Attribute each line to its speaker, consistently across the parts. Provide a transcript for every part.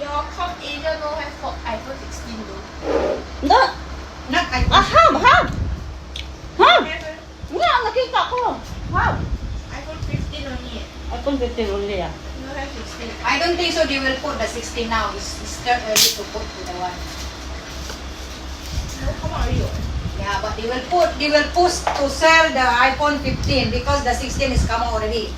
Speaker 1: your Com Asia no have for iPhone 16 though.
Speaker 2: No.
Speaker 3: Not iPhone.
Speaker 2: Have.
Speaker 1: Have
Speaker 2: Nga, nakita ko. Have.
Speaker 1: iPhone 15 only.
Speaker 2: iPhone 15 only ah.
Speaker 1: No have 16.
Speaker 3: I don't think so. They will put the 16 now. It's still early to put to the one.
Speaker 1: No come out already.
Speaker 3: Yeah, but they will push to sell the iPhone 15 because the 16 is come already.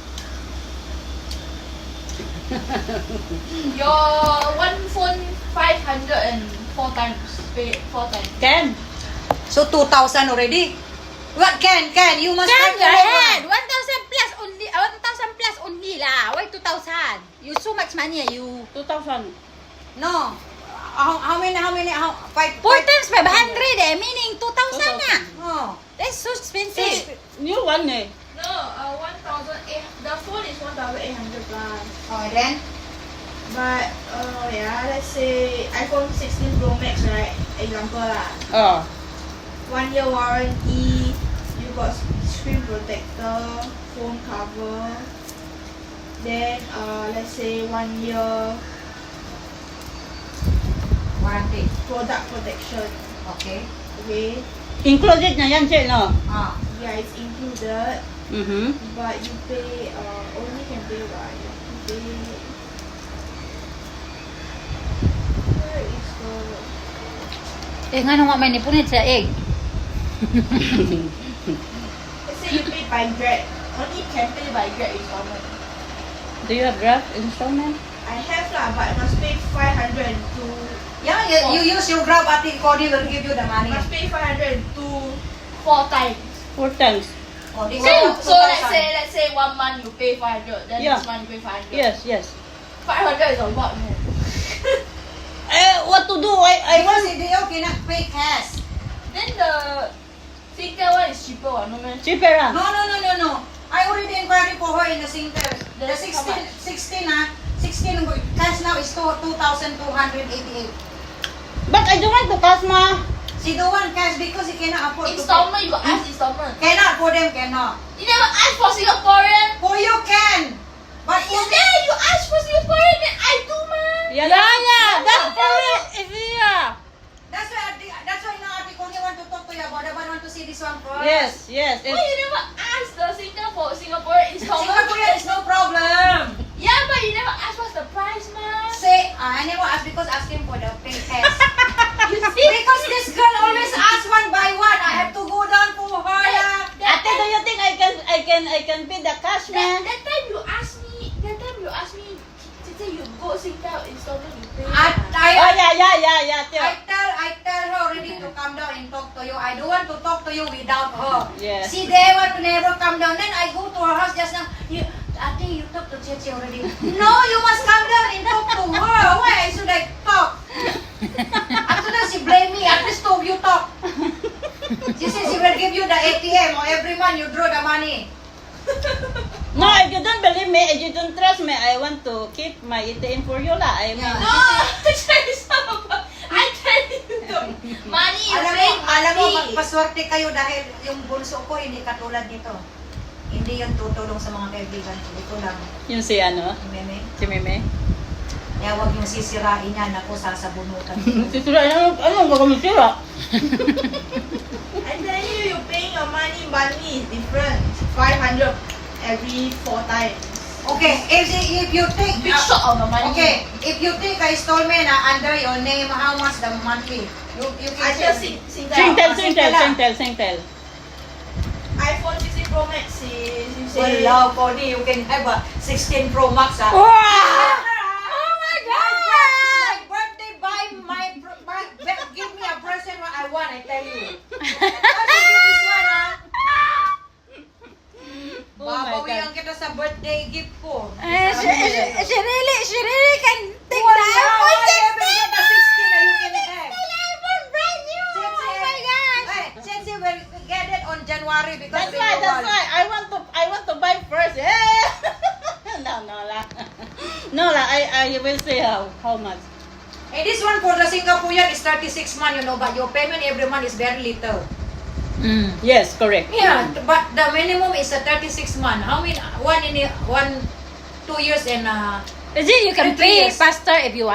Speaker 1: Your one phone 504 times. Pay 4 times.
Speaker 2: Ken.
Speaker 3: So 2,000 already. What can you must
Speaker 4: Can
Speaker 3: find
Speaker 4: your
Speaker 3: the
Speaker 4: head?
Speaker 3: one.
Speaker 4: 1,000 plus only. 1,000 plus only lah. Why 2,000? You so much money you.
Speaker 2: 2,000.
Speaker 3: No. How many? Five.
Speaker 4: 4 times 500 meaning 2,000 na.
Speaker 3: Oh.
Speaker 4: That's so expensive.
Speaker 2: New one eh.
Speaker 1: No, 1,800. The phone is 1,800 plus.
Speaker 3: Oh, then
Speaker 1: But yeah, let's say iPhone 16 Pro Max, right? Example lah.
Speaker 2: Oh.
Speaker 1: 1 year warranty. You got screen protector, phone cover. Then let's say 1 year
Speaker 3: warranty.
Speaker 1: product protection.
Speaker 3: Okay.
Speaker 1: Okay.
Speaker 2: Included na yan, Che, no?
Speaker 3: Ah.
Speaker 1: Yeah, it's included.
Speaker 2: Mm-hmm.
Speaker 1: But you pay only can pay by you pay. Where is the
Speaker 4: Nga nung may nipunit sa egg.
Speaker 1: let's say you pay by Grab. Only can pay by Grab installment.
Speaker 2: Do you have Grab installment?
Speaker 1: I have lah, but I must pay 500 to
Speaker 3: Yeah, you use your Grab. I think Cody will give you the money.
Speaker 1: must pay 500 to 4 times.
Speaker 2: 4 times.
Speaker 3: Cody
Speaker 1: So,
Speaker 3: will
Speaker 1: so let's say 1 month you pay 500, then
Speaker 2: Yeah.
Speaker 1: this month you pay 500.
Speaker 2: Yes.
Speaker 1: 500 is a lot, man.
Speaker 2: What to do? I
Speaker 3: because
Speaker 2: want
Speaker 3: they cannot pay cash.
Speaker 1: Then the Singtel one is cheaper, no man.
Speaker 2: cheaper ah.
Speaker 3: No. I already inquired for her in the Singtel. The
Speaker 1: That's how
Speaker 3: 16
Speaker 1: much?
Speaker 3: 16 cash now is 2,288.
Speaker 2: But I don't want to cash ma.
Speaker 3: She don't want cash because he cannot afford
Speaker 1: Installment, you got ask installment.
Speaker 3: to pay. Cannot for them, cannot.
Speaker 1: You never ask for Singaporean.
Speaker 3: For you can. But
Speaker 1: Yeah, you ask for Singaporean, then I do, man.
Speaker 2: Yeah.
Speaker 4: That's for it. Yeah.
Speaker 3: that's why now Ate Connie want to talk to you about that one. Want to see this one first.
Speaker 2: Yes.
Speaker 1: Why you never ask the Singtel for Singaporean installment?
Speaker 3: Singaporean is no problem.
Speaker 1: Yeah, but you never ask what's the price, man.
Speaker 3: Say, I never ask because asking for the pay cash.
Speaker 1: You see?
Speaker 3: Because this girl always ask one by one. I have to go down for her.
Speaker 2: Ate, do you think I can pay the cash man?
Speaker 1: That time you ask me, Tete, you go Singtel installment, you pay.
Speaker 2: Oh yeah. Tio.
Speaker 3: I tell her already to come down and talk to you. I don't want to talk to you without her.
Speaker 2: Yes.
Speaker 3: She they want to never come down. Then I go to her house just now. Ate, you talk to Cheche already. No, you must come down and talk to her. Why should I talk? After that she blame me. At least you talk. She says she will give you the ATM or every month you draw the money.
Speaker 2: No, if you don't believe me, if you don't trust me, I want to keep my ATM for you lah. I mean,
Speaker 3: Yeah.
Speaker 1: No, I tell you the money you pay
Speaker 3: Alam mo,
Speaker 1: money.
Speaker 3: magpaswerte kayo dahil yung bunso ko hindi katulad nito. Hindi yun tutulong sa mga kaibigan ko. Ito lang,
Speaker 2: yung si ano,
Speaker 3: si Meme.
Speaker 2: si Meme.
Speaker 3: Kaya huwag yung sisirain yan. Ako, sasabunutan.
Speaker 2: Sisira, ano ba kami sira?
Speaker 1: I tell you, you paying your money monthly is different. 500 every 4 times.
Speaker 3: Okay, if you take...
Speaker 1: Big shot of the money.
Speaker 3: Okay, if you take a installment under your name, how much the monthly? You
Speaker 1: I
Speaker 3: can
Speaker 1: just
Speaker 3: say.
Speaker 2: Singtel.
Speaker 1: iPhone 16 Pro Max is you say.
Speaker 3: Well, Cody, you can have a 16 Pro Max.
Speaker 4: Wow!
Speaker 3: Oh my God! My birthday, give me a present what I want, I tell you. How do you give this one, ha?
Speaker 2: Oh my
Speaker 3: Babawian
Speaker 2: God.
Speaker 3: kita sa birthday gift ko.
Speaker 4: She really can take
Speaker 3: Well,
Speaker 4: the iPhone 16.
Speaker 3: the 16 na you can have.
Speaker 4: iPhone brand new. Oh my gosh.
Speaker 3: Hey, since you will get it on January because
Speaker 2: That's why. I want to buy first. Yeah. No lah. No lah. I will say how much.
Speaker 3: Hey, this one for the Singaporean is 36 months, but your payment every month is very little.
Speaker 2: Yes, correct.
Speaker 3: Yeah, but the minimum is a 36 months. How many? 2 years and
Speaker 4: Is it you can
Speaker 3: 3
Speaker 4: pay
Speaker 3: years.
Speaker 4: faster if you want?